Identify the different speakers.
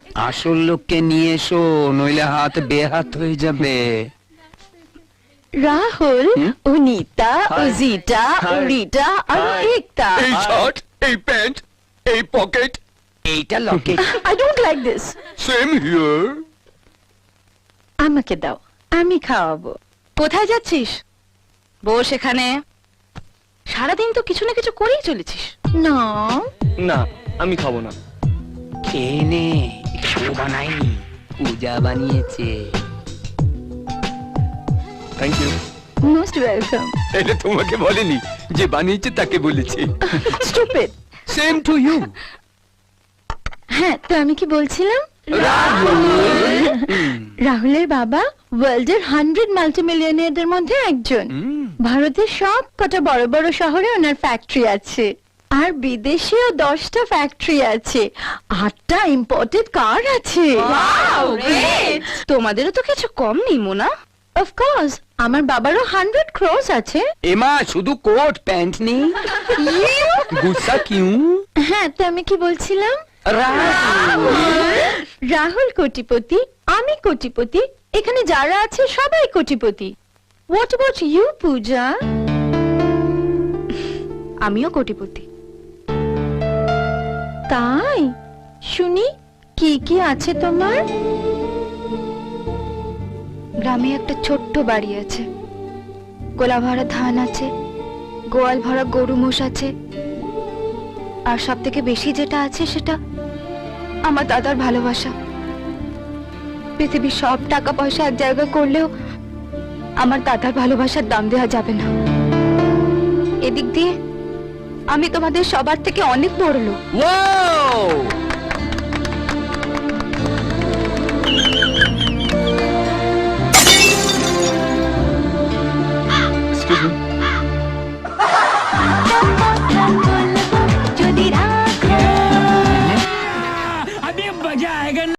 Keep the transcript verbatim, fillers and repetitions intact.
Speaker 1: আসল লোককে নিয়ে এসো, নইলে হাত বেহাত হয়ে যাবে।
Speaker 2: রাহুল, ও নীতা, ও জিটা, ও রিটা আর ও একতা।
Speaker 1: এই শার্ট, এই প্যান্ট, এই পকেট, এইটা locket.
Speaker 2: I don't like this.
Speaker 1: Same here.
Speaker 2: আমাকে দাও, আমি খাওয়াবো।
Speaker 3: কোথায় যাচ্ছিস? বস এখানে। সারাদিন তো কিছু না কিছু করেই চলেছিস।
Speaker 2: না,
Speaker 4: না, আমি খাবো না।
Speaker 1: খেয়ে নে, কেউ বানায়নি, পূজা বানিয়েছে।
Speaker 4: Thank you.
Speaker 2: Most welcome.
Speaker 1: এটা তোমাকে বলেনি, যে বানিয়েছে তাকে বলেছে।
Speaker 2: স্টুপিড।
Speaker 1: Same to you.
Speaker 2: হ্যাঁ, তো আমি কি বলছিলাম? রাহুলের বাবা ওয়ার্ল্ডের হান্ড্রেড মাল্টি মিলিয়নিয়ারদের মধ্যে একজন। ভারতের সব কটা বড় বড় শহরে ওনার ফ্যাক্টরি আছে, আর বিদেশেও দশটা ফ্যাক্টরি আছে, আটটা ইম্পোর্টেড কার আছে।
Speaker 3: তোমাদেরও তো কিছু কম নেই মোনা।
Speaker 2: অফকোর্স, আমার বাবারও হান্ড্রেড ক্রোস আছে।
Speaker 1: এমা শুধু কোট প্যান্ট নেই, গুসা কিউ?
Speaker 2: হ্যাঁ, তো আমি কি বলছিলাম? রাহুল কোটিপতি, আমি কোটিপতি, এখানে যারা আছে সবাই কোটিপতি। What about you Puja?
Speaker 3: আমিও কোটিপতি।
Speaker 2: তাই? শুনি, কি কি আছে তোমার?
Speaker 3: গ্রামে একটা ছোট্ট বাড়ি আছে, গোলা ভরা ধান আছে, গোয়াল ভরা গরু মোষ আছে, আর সব থেকে বেশি যেটা আছে সেটা আমার দাদার ভালোবাসা। পৃথিবীর সব টাকা পয়সা এক জায়গায় করলেও আমার দাদার ভালোবাসার দাম দেওয়া যাবে না। এদিক দিয়ে আমি তোমাদের সবার থেকে অনেক বড় লোক।
Speaker 1: ওয়াও!